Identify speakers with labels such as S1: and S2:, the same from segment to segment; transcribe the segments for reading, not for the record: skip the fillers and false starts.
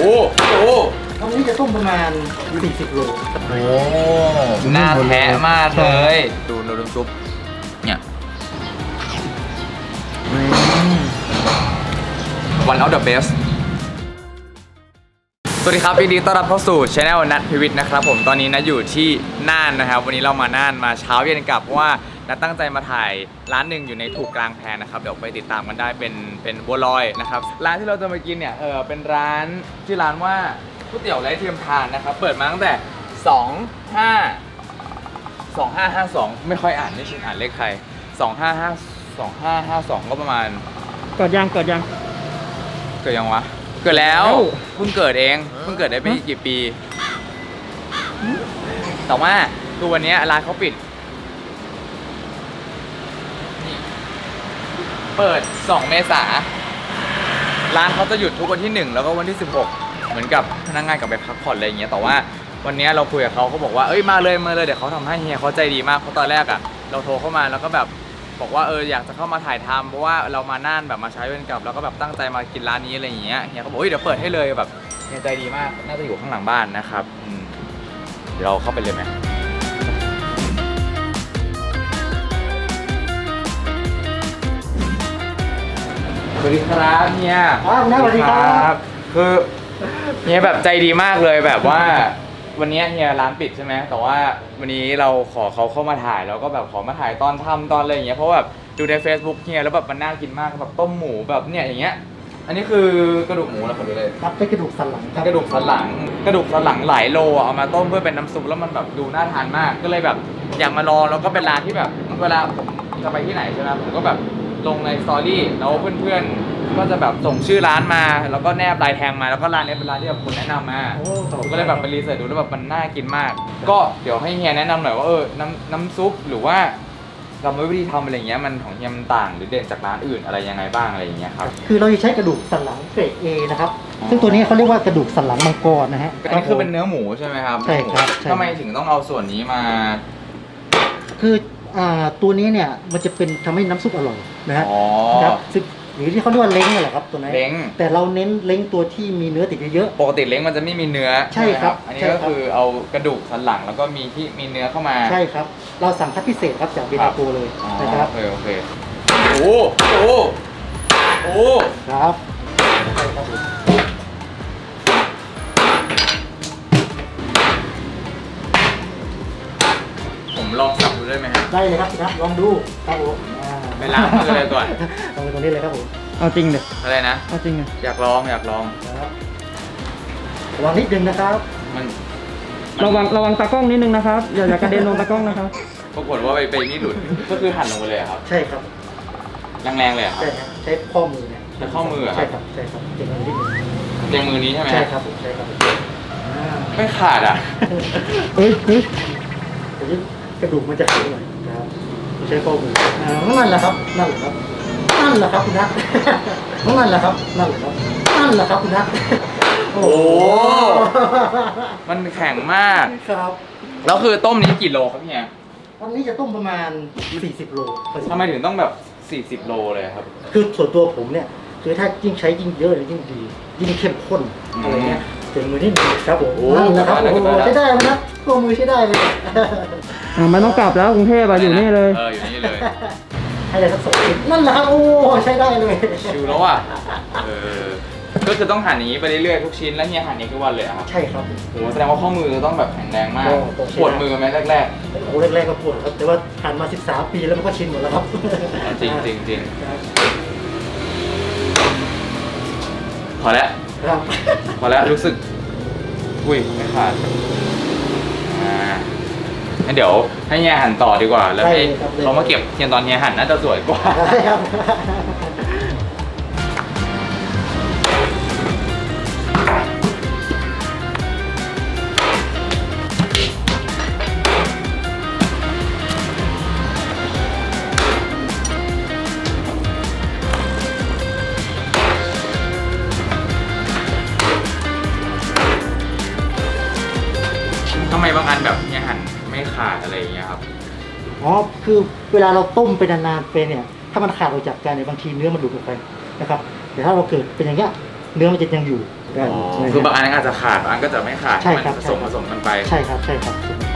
S1: วันนี้จะต้มประมาณ40 โล
S2: โอ้น่าแท้มากเลยดูน้ำซุปเนี่ยone of the best สวัสดีครับยินดีต้อนรับเข้าสู่ช anel นัทพิวิทย์นะครับผมตอนนี้นะอยู่ที่น่านนะครับวันนี้เรามาน่านมาเช้าเย็นกลับเพราะว่านัทตั้งใจมาถ่ายร้านหนึ่งอยู่ในถูกกลางแพนะครับเดี๋ยวไปติดตามกันได้เป็นบัวลอยนะครับร้านที่เราจะมากินเนี่ยเป็นร้านชื่อร้านว่าก๋วยเตี๋ยวไร้เทียมทานนะครับเปิดมาตั้งแต่2552ไม่ค่อยอ่านไม่ชินอ่านเลขใคร2552ก็ประมาณ
S3: เกิดยัง
S2: เกิดยังวะเกิดแล้วเพิ่งเกิดเองเพิ่งเกิดได้ไม่กี่ปีแต่ว่าคือวันนี้ร้านเขาปิดเปิด2 เมษายนร้านเขาจะหยุดทุกวันที่1แล้วก็วันที่16เหมือนกับพนักงานกลับไปพักผ่อนอะไรอย่างเงี้ยแต่ว่าวันนี้เราคุยกับเขาบอกว่าเอ้ยมาเลยเดี๋ยวเขาทำให้เฮียเขาใจดีมากเพราะตอนแรกอ่ะเราโทรเข้ามาแล้วก็แบบบอกว่าอยากจะเข้ามาถ่ายทำเพราะว่าเรามาน่านแบบมาใช้เวรกลับแล้วก็แบบตั้งใจมากินร้านนี้อะไรอย่างเงี้ยเฮียเขาบอกเดี๋ยวเปิดให้เลยแบบเฮียใจดีมากน่าจะอยู่ข้างหลังบ้านนะครับเดี๋ยวเราเข้าไปเลยไหมสวัสดีครับเฮีย
S1: สวัสดีครับ
S2: คือเฮียแบบใจดีมากเลยแบบว่าวันนี้เฮียร้านปิดใช่ไหมแต่ว่าวันนี้เราขอเขาเข้ามาถ่ายแล้วก็แบบขอมาถ่ายตอนทำตอนอะไรอย่างเงี้ยเพราะแบบดูใน Facebook เฮียแล้วแบบมันน่ากินมากแบบต้มหมูแบบเนี่ยอย่างเงี้ยอันนี้คือกระดูกหมูแล้วผมดูเลย
S1: ครับเป็นกระดูกสันหลัง
S2: กระดูกสันหลังหลายโลเอามาต้มเพื่อเป็นน้ำซุปแล้วมันแบบดูน่าทานมากก็เลยแบบอยากมาลองแล้วก็เป็นร้านที่แบบเวลาผมจะไปที่ไหนใช่ไหมผมก็แบบลงในสตอรี่แล้วเพื่อนๆก็จะแบบส่งชื่อร้านมาแล้วก็แนบลายแทงมาแล้วก็ร้านนี้เป็นร้านที่แบบคนแนะนำมาผมก็เลยแบบไปรีเสิร์ชดูแล้วแบบมันน่ากินมากก็เดี๋ยวให้เฮียแนะนำหน่อยว่าน้ำซุปหรือว่ากรรมวิธีทำอะไรอย่างเงี้ยมันของเฮียมันต่างหรือเด่นจากร้านอื่นอะไรยังไงบ้างอะไรอย่างเงี้ยครับ
S1: คือเราจะใช้กระดูกสันหลังเกรด A นะครับซึ่งตัวนี้เขาเรียกว่ากระดูกสันหลังมังกรนะฮะ
S2: อันนี้คือเป็นเนื้อหมูใช่ไหมครับ
S1: ใช่ครับ
S2: ทำไมถึงต้องเอาส่วนนี้มา
S1: คือตัวนี้เนี่ยมันจะเป็นทำให้น้ำซุปอร่อยนะฮะครับซึ่งหรือที่เขาเรียกว่าเล้งนั่นแหละครับตัวนั้น
S2: เล้ง
S1: แต่เราเน้นเล้งตัวที่มีเนื้อติดเยอะ
S2: ๆปกติเล้งมันจะไม่มีเนื้อ
S1: ใช่ครับ
S2: อันนี้ก็คือเอากระดูกสันหลังแล้วก็มีเนื้อเข้ามา
S1: ใช่ครับเราสั่งคัดพิเศษครับจากเบตาโกเลยนะครับ
S2: โอเคโอ้
S1: ครับ
S2: ผมลองสับดูได้ไหมครับ
S1: ได้เลยครับลองดูครับผม
S2: ไปล้างมือเลยก่อน
S1: ลองไปตรงนี้เลยครับผม
S3: เอาจริงเลย
S2: อะไรนะ
S3: เอาจริงเลย
S2: อยากลอง
S1: ครับระวังนิดนึงนะครับ
S2: มัน
S3: ระวังตากล้องนิดนึงนะครับอย่ากระเด็นลงตากล้องนะครับ
S2: ปรากฏว่าไปนี่หลุดก็คือหั่นลงไปเลยครับ
S1: ใช่ครับ
S2: แรงๆเลยครับ
S1: ใช้ข้อมือเนี่ย
S2: ใช้ข้อมือ
S1: ใช่ครับเจ็บมือนิดนึง
S2: เจ็บมือนี้ใช่ไหม
S1: ใช่ครับ
S2: ไม่ขาดอ่ะ
S1: เฮ้ยกระดูกมันจะแข็งหน่อยครับใช้ข้อมือนั่นแหละครับคุณนัทนั่นแหละครับคุณนัท
S2: โอ้มันแข็งมาก
S1: ครับ
S2: แล้วคือต้มนี้กี่โลครับเนี่ย
S1: วันนี้จะต้มประมาณ40 โล
S2: ทำไมถึงต้องแบบ40 โลเลยครับ
S1: คือส่วนตัวผมเนี่ยคือถ้ายิ่งใช้ยิ่งเยอะยิ่งดียิ่งเข้มข้นอะไรเงี้ยเจ็บมือนิดนึงครับผมนั่นแหละครับใช้ได้ไหมนะข้อมือใช้ได้เลย
S3: มันต้องกลับแล้วกรุงเทพอยู่นี่เลย
S2: อยู่นี่เลย
S1: ให้ได้สัก2 ชิ้นนั่นแหละครับโอ้ใช้ได้เลย
S2: ชิวแล้วอ่ะก็คือต้องหั่นอย่างนี้ไปเรื่อยๆทุกชิ้นแล้วเฮียหั่นนี้ทุกวันเลยครับ
S1: ใช่ครับ
S2: โหแสดงว่าข้อมือต้องแบบแข็งแรงมากปวดมือไหมแรก
S1: ๆโอ้แรกๆก็ปวดครับแต่ว่าหั่นมา13 ปีแล้วมันก็ชินหมดแล้วครับ
S2: จริงพอแล้วรู้สึกอุ้ยไม่ขาดงั้นเดี๋ยวให้เฮียหั่นต่อดีกว่าแล้วให้เขามาเก็บเทียนตอนเฮียหั่นน่าจะสวยกว่าทำไมบางอันแบบเฮียหั่นไม่ขาดอะไรอย่างเงี้ยครับ
S1: คือเวลาเราต้มไปนานๆไปเนี่ยถ้ามันขาดออกจากกันเนี่ยบางทีเนื้อมันหลุดออกไปนะครับแต่ถ้าเราเกิดเป็นอย่างเงี้ยเนื้อมันจะยังอยู่กัน
S2: คือบางอันอาจจะขาดบางอันก็จะไม่ขาด
S1: ใช่ครับ
S2: มันผสมกันไป
S1: ใช่ครับใช่ครับสมุนไพร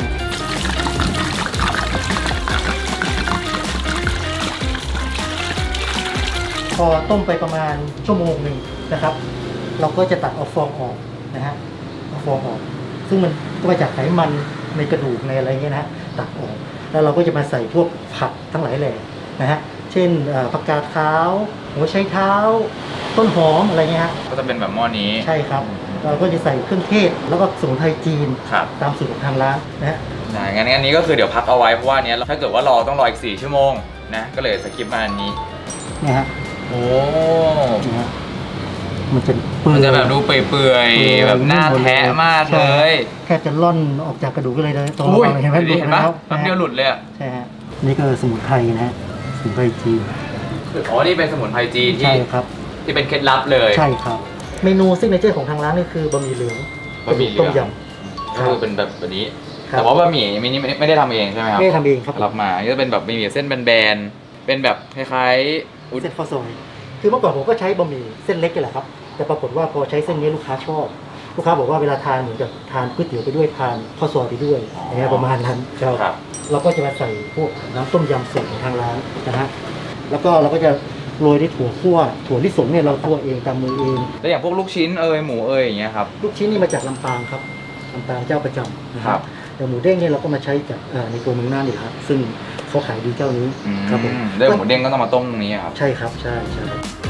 S1: พอต้มไปประมาณชั่วโมงหนึ่งนะครับ เราก็จะตัดเอาฟองออกนะฮะเอาฟองออก ซึ่งมันก็มาจากไขมันในกระดูกในอะไรเงี้ยนะฮะตัดออกแล้วเราก็จะมาใส่พวกผักทั้งหลายแหล่นะฮะเช่นผักกาดขาวหัวไชเท้า ต้นหอมอะไรเงี้ยฮะ
S2: ก็จะเป็นแบบหม้อนี้
S1: ใช่ครับ เราก็จะใส่เครื่องเทศแล้วก็สมุนไพรจีน
S2: ครับ
S1: ตามสูตรของทางร้านนะฮะ
S2: งั้นอันนี้ก็คือเดี๋ยวพักเอาไว้เพราะว่าอันเนี้ยถ้าเกิดว่ารอต้องรออีก4ชั่วโมงนะก็เลยสกิปมาอันนี้
S1: เนี่ยฮะ
S2: โอ้
S1: เนี่ยฮะมันจะเปื่
S2: มัน
S1: อย
S2: จะแบบดูเปื่อยๆแบบหน้าแทะมากเลย
S1: แค่จะล่อนออกจากกระดูกก็เลยตรง
S2: อุ้ย
S1: เห็นไหม
S2: เห็นปะแป๊บเดียวหลุดเลยอะ
S1: ใช่ฮะนี่ก็สมุนไพรนะฮะสมุนไพรจีน
S2: อ๋อนี่เป็นสมุนไพรจีน
S1: ใช่ครับ
S2: ที่เป็นเคล็ดลับเลย
S1: ใช่ครับ เมนูซิกเนเจอร์ของทางร้านนี่คือบะหมี่เหลือง
S2: บะหมี่เหลื
S1: ต้
S2: อง
S1: มยำ
S2: ก็คือเป็นแบบนี้
S1: ครับ
S2: แต่ว่าบะหมี่มินี่ไม่ได้ทำเองใช่ไหมครับ
S1: ไม่ได้ทำเองครับ
S2: รับมาก็จะเป็นแบบบะหมี่เส้นแบนๆเป็นแบบคล้ายๆอุ๊ย
S1: เส้นข้าวซอยคือเมื่อก่อนผมก็ใช้บะหมี่เส้นเล็กนี่แหละครับแต่ปรากฏว่าพอใช้เส้นนี้ลูกค้าชอบ ลูกค้าบอกว่าเวลาทานเหมือนกับทานก๋วยเตี๋ยวไปด้วยทานข้าวซอยไปด้วยอย่างเงี้ยประมาณนั้นครับ
S2: ครับ
S1: เราก็จะมาใส่พวกน้ำต้มยำสูตรของทางร้านนะฮะแล้วก็เราก็จะโรยด้วยถั่วคั่วถั่วลิสงเนี่ยเราคั่วเองตามมือเอง
S2: แล้วอย่างพวกลูกชิ้นหมูอย่างเงี้ยครับ
S1: ลูกชิ้นนี่มาจากลำปางครับลำปางเจ้าประจำนะค
S2: ครั
S1: รับบ แต่หมูเด้งเนี่ยเราก็มาใช้จากในตัวเมืองน่านนี่ครับซึ่งเขาขายดีเจ้านี้ครับผม
S2: ด้วยหมูเด้งก็ต้องมาต้มตรงนี้ครับ
S1: ใช่ครับใช่ใช่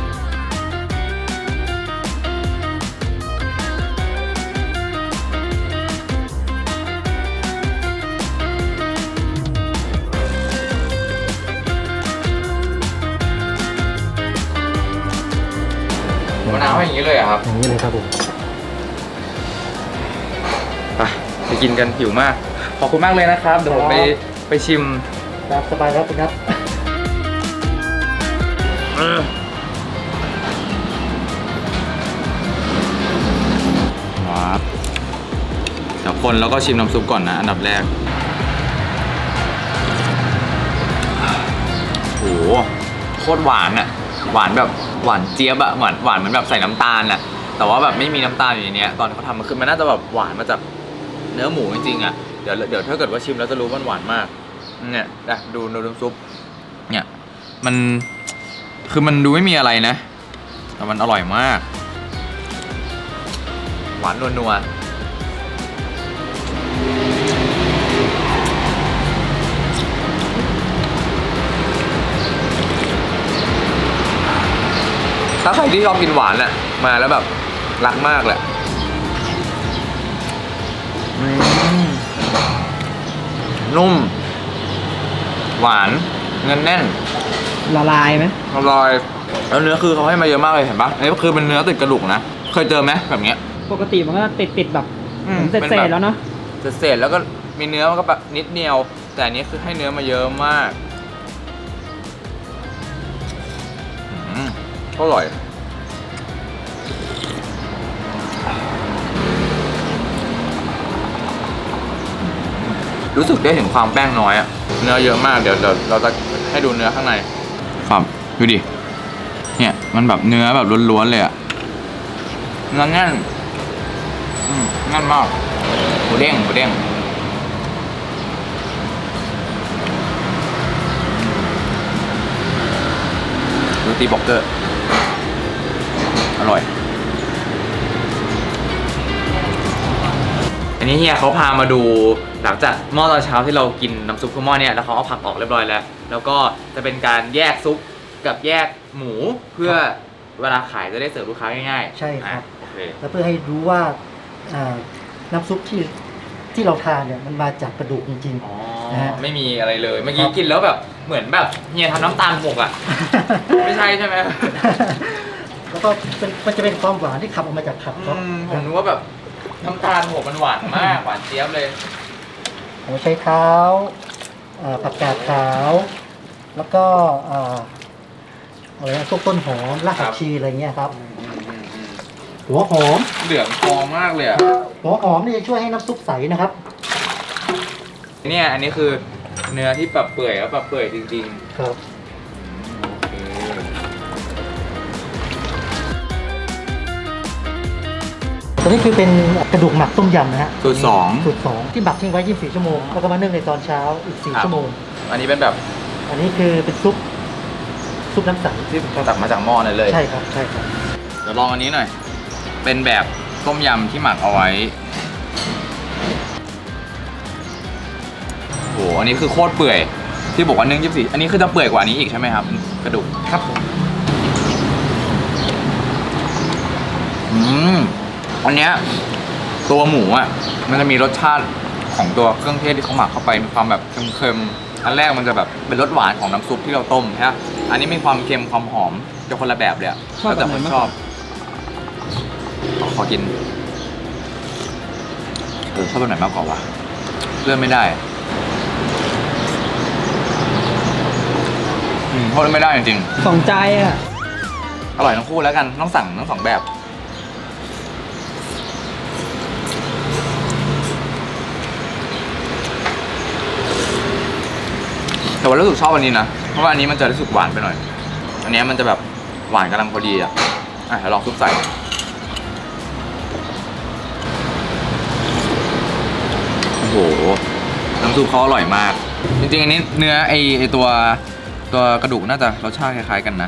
S2: มะนาวให้อย่างนี้เลยอะครับ
S1: อย่างนี้เลยครับผม
S2: ไปกินกันหิวมาก ขอบคุณมากเลยนะครับ เดี๋ยวผมไปชิม
S1: ตามสบายครับคุณครับ
S2: ว้าวเดี๋ยวคนแล้วก็ชิมน้ำซุปก่อนนะ อันดับแรก โหโคตรหวานอะหวานแบบหวานเจี๊ยบอะหวานเหมือนแบบใส่น้ำตาลอะแต่ว่าแบบไม่มีน้ำตาลอยู่ในเนี้ยตอนเขาทำมันคือมันน่าจะแบบหวานมาจากเนื้อหมูจริงๆอะเดี๋ยวถ้าเกิดว่าชิมแล้วจะรู้ว่ามันหวานมากเนี่ยดูน้ำซุปเนี่ยมันคือมันดูไม่มีอะไรนะแต่มันอร่อยมากหวานนัวถ้าใครที่ชอบกินหวานอะมาแล้วแบบรักมากแหละนุ่ม หวานเงินแน่น
S3: ละลายไหม
S2: อร่อยแล้วเนื้อคือเขาให้มาเยอะมากเลยเห็นปะอันนี้คือเป็นเนื้อติดกระดูกนะเคยเจอไหมแบบเนี้ย
S3: ปกติมันก็ติดแบบ
S2: อืม
S3: ผมเศ
S2: เป็น
S3: ษ
S2: แบบ
S3: ๆแล้วเนาะ
S2: เศษๆแล้วก็มีเนื้อมันก็แบบนิดเดียว แต่อันนี้คือให้เนื้อมาเยอะมากอร่อยรู้สึกได้ถึงความแป้งน้อยอะเนื้อเยอะมากเดี๋ยวเราจะให้ดูเนื้อข้างในครับดูดิเนี่ยมันแบบเนื้อแบบล้วนๆเลยอะเนื้อแน่นแน่นมากหมูเด้งโรตีบ็อกเกอร์อร่อยอันนี้เฮียเขาพามาดูหลังจากหม้อตอนเช้าที่เรากินน้ำซุปข้าวหม้อเนี่ยแล้วเขาเอาผักออกเรียบร้อยแล้วแล้วก็จะเป็นการแยกซุปกับแยกหมูเพื่อเวลาขายจะได้เสิร์ฟลูกค้าง่ายๆ
S1: ใช่ครับ
S2: โอเค
S1: แล้วเพื่อให้รู้ว่าน้ำซุปที่เราทานเนี่ยมันมาจากกระดูกจริง
S2: อ๋อ
S1: นะฮะ
S2: ไม่มีอะไรเลยเมื่อกี้
S1: ครับ
S2: กินแล้วแบบเหมือนแบบเฮียทำน้ำตาลหกอ่ะ
S1: ๆ
S2: ไม่ใช่ใช่ไหม
S1: แล้วก็มันจะเป็นความหวานที่ขับออกมาจากผักครับ
S2: ผมนึกว่าแบบน้ำตาลหกมันหวานมากหวานเจี๊ยบเลย
S1: หัวไชเท้าผักกาดขาว แล้วก็อะไรนะพวกต้นหอมรากผักชีอะไรเงี้ยครับ หัวหอม
S2: เหลืองทองมากเลยอ่ะ
S1: หัวหอมนี่จะช่วยให้น้ำซุปใสนะครับ
S2: เนี่ยอันนี้คือเนื้อที่แบบเปื่อยแล้วแบบเปื่อยจริง
S1: ครับ
S2: ๆโอเค
S1: ตัวนี้คือเป็นกระดูกหมักต้มยำนะฮะ
S2: สูตรสอง
S1: สูตร2ที่หมักทิ้งไว้ 24 ชั่วโมงแล้วก็มานึ่งในตอนเช้าอีก 4 ชั่วโมง
S2: อันนี้เป็นแบบ
S1: อันนี้คือเป็นซุปน้ำใส
S2: ที่ตักมาจากหม้อนั่นเลย
S1: ใช่ครับใช่ครับ
S2: เดี๋ยวลองอันนี้หน่อย เป็นแบบต้มยำที่หมักเอาไว้โหอันนี้คือโคตรเปื่อยที่บอกว่านึ่ง24อันนี้คือจะเปื่อยกว่านี้อีกใช่ไหมครับกระดูก
S1: ครับผม
S2: อันเนี้ยตัวหมูอ่ะมันจะมีรสชาติของตัวเครื่องเทศที่เขาหมักเข้าไปมีความแบบเค็มๆอันแรกมันจะแบบเป็นรสหวานของน้ำซุปที่เราต้มใช่ไหมอันนี้มีความเค็มความหอมจะคนละแบบเลยอะ
S3: ชอบ
S2: แล้วแต่
S3: แบบ
S2: ค
S3: ไหน
S2: น
S3: มาก
S2: ชอบขอกินชอบแบบไหนมากกว่าวะเลือกไม่ได้โทษไม่ได้จริง
S3: สองใจอ่ะ
S2: ๆอร่อยทั้งคู่แล้วกันต้องสั่งทั้งสองแบบแต่ว่ารู้สึกชอบอันนี้นะเพราะว่าอันนี้มันจะรู้สึกหวานไปหน่อย อันนี้มันจะแบบหวานกำลังพอดีอ่ะเดี๋ยวลองซุปใส่โอ้โหน้ำซุปเขาอร่อยมากจริงๆอันนี้เนื้อไอตัวกระดูกน่าจะรสชาติคล้ายๆกันนะ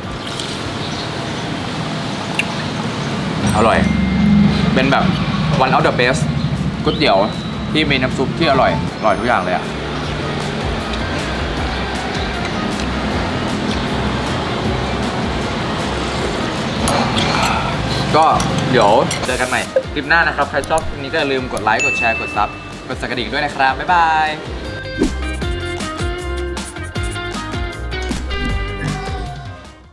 S2: อร่อยเป็นแบบ one of the best ก๋วยเตี๋ยวที่มีน้ำซุปที่อร่อยทุกอย่างเลยอ่ะก็เดี๋ยวเจอกันใหม่คลิปหน้านะครับ ใครชอบคลิปนี้ก็อย่าลืมกดไลค์ กดแชร์ กดซับ กดสั่นกระดิ่งด้วยนะครับ บ๊ายบาย